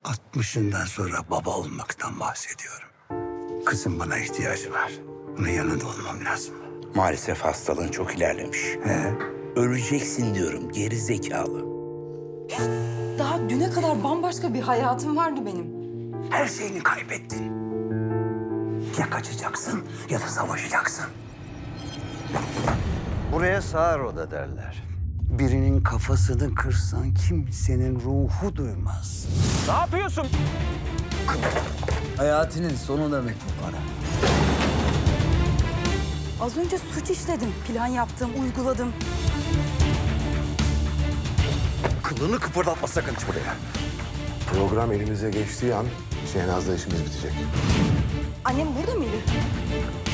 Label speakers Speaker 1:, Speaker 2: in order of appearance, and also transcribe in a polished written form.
Speaker 1: 60'ından sonra baba olmaktan bahsediyorum. Kızım bana ihtiyacı var. Onun yanında olmam lazım.
Speaker 2: Maalesef hastalığın çok ilerlemiş.
Speaker 1: He?
Speaker 2: Öleceksin diyorum, geri zekalı.
Speaker 3: Daha düne kadar bambaşka bir hayatım vardı benim.
Speaker 1: Her şeyini kaybettin. Ya kaçacaksın ya da savaşacaksın. Buraya sağır oda derler. Birinin kafasını kırsan kimsenin ruhu duymaz.
Speaker 4: Ne yapıyorsun?
Speaker 1: Hayatının sonu demek bu para.
Speaker 3: Az önce suç işledim. Plan yaptım, uyguladım.
Speaker 1: Kılını kıpırdatma sakın hiç buraya.
Speaker 5: Program elimize geçtiği an Şehnaz'la işimiz bitecek.
Speaker 3: Annem burada mıydı?